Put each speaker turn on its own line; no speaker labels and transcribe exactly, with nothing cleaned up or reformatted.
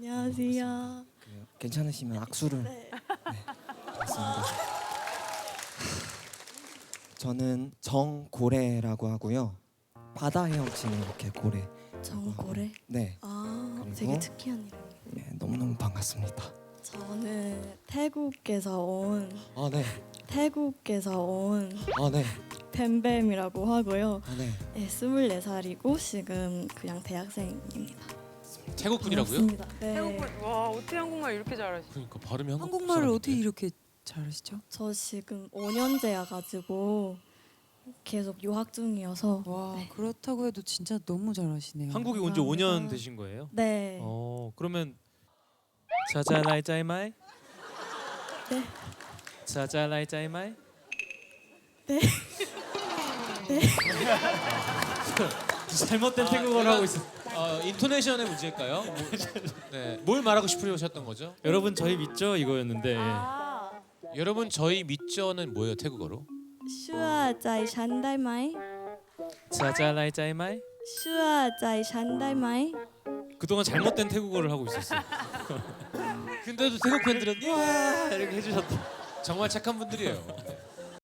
안녕하세요.
그래요. 괜찮으시면 악수를.
네.
맞습니다. 저는 정고래라고 하고요. 바다 헤엄치는 이렇게 고래.
정고래.
네,
아,
그리고-
되게 특이한 이름.
네 너무너무 반갑습니다.
저는 태국에서 온
아 네,
태국에서 온
아 네,
뱀뱀이라고 하고요.
아 네.
네, 스물네 살이고 지금 그냥 대학생입니다.
태국 분이라고요?
반갑습니다. 네.
태국분 와 어떻게 한국말 이렇게 잘하시?
그러니까 발음이 한국
한국말을
사람인데.
어떻게 이렇게 잘하시죠?
저 지금 오 년째야 가지고 계속 유학 중이어서
와
네.
그렇다고 해도 진짜 너무 잘하시네요.
한국에 온 지 오
감사합니다.
년 되신 거예요?
네.
어 그러면 자자라이 짜이마이?
네.
자자라이 짜이마이?
네.
잘못된
아,
태국어를
내가-
하고 있어.
어, 인토네이션의 문제일까요? 뭐, 네, 뭘 말하고 싶으셨던 거죠?
여러분 저희 믿죠 이거였는데.
아,
여러분 저희 믿죠는 뭐예요 태국어로?
슈아 짜이 샨달마이.
자자라이 짜이마이?
슈아 짜이 샨달마이.
그동안 잘못된 태국어를 하고 있었어.
근데도 태국 팬들은 와
이렇게 해주셨다.
정말 착한 분들이에요.